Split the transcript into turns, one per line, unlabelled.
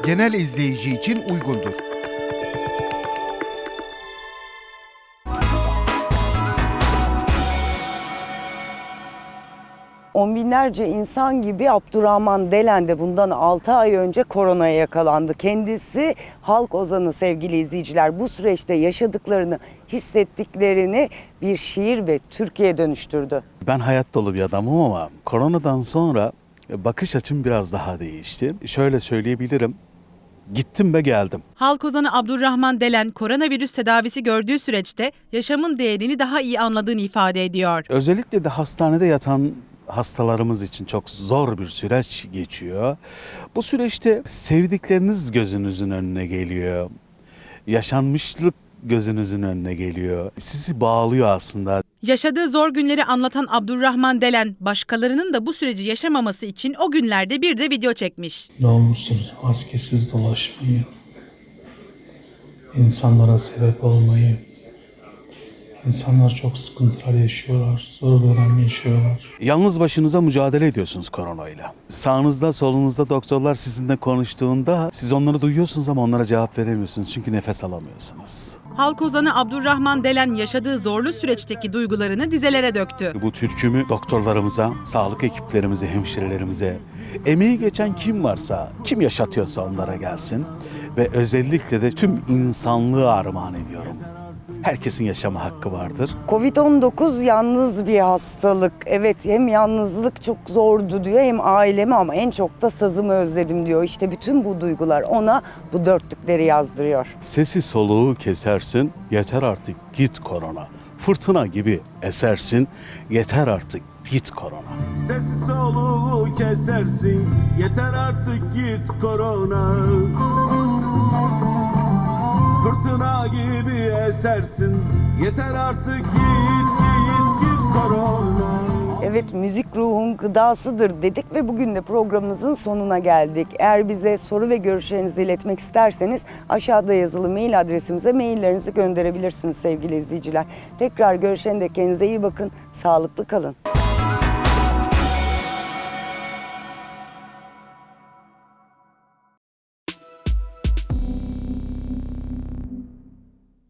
genel izleyici için uygundur.
On binlerce insan gibi Abdurrahman Delen de bundan 6 ay önce koronaya yakalandı. Kendisi halk ozanı sevgili izleyiciler. Bu süreçte yaşadıklarını, hissettiklerini bir şiir ve türküye dönüştürdü.
Ben hayat dolu bir adamım ama koronadan sonra bakış açım biraz daha değişti. Şöyle söyleyebilirim. Gittim ve geldim.
Halk ozanı Abdurrahman Delen koronavirüs tedavisi gördüğü süreçte yaşamın değerini daha iyi anladığını ifade ediyor.
Özellikle de hastanede yatan hastalarımız için çok zor bir süreç geçiyor. Bu süreçte sevdikleriniz gözünüzün önüne geliyor. Yaşanmışlık gözünüzün önüne geliyor. Sizi bağlıyor aslında.
Yaşadığı zor günleri anlatan Abdurrahman Delen, başkalarının da bu süreci yaşamaması için o günlerde bir de video çekmiş.
Ne olursunuz maskesiz dolaşmayı, insanlara sebep olmayı. İnsanlar çok sıkıntılar yaşıyorlar, zor dönem yaşıyorlar.
Yalnız başınıza mücadele ediyorsunuz koronayla. Sağınızda solunuzda doktorlar sizinle konuştuğunda siz onları duyuyorsunuz ama onlara cevap veremiyorsunuz çünkü nefes alamıyorsunuz.
Halk ozanı Abdurrahman Delen yaşadığı zorlu süreçteki duygularını dizelere döktü.
Bu türkümü doktorlarımıza, sağlık ekiplerimize, hemşirelerimize, emeği geçen kim varsa, kim yaşatıyorsa onlara gelsin ve özellikle de tüm insanlığı armağan ediyorum. Herkesin yaşama hakkı vardır.
Covid-19 yalnız bir hastalık. Evet, hem yalnızlık çok zordu diyor, hem ailemi ama en çok da sazımı özledim diyor. İşte bütün bu duygular ona bu dörtlükleri yazdırıyor.
Sesi soluğu kesersin, yeter artık git korona. Fırtına gibi esersin, yeter artık git korona.
Sesi soluğu kesersin, yeter artık git korona. Fırtına gibi esersin, yeter artık git korona.
Evet, müzik ruhun gıdasıdır dedik ve bugün de programımızın sonuna geldik. Eğer bize soru ve görüşlerinizi iletmek isterseniz aşağıda yazılı mail adresimize maillerinizi gönderebilirsiniz sevgili izleyiciler. Tekrar görüşene dek kendinize iyi bakın, sağlıklı kalın.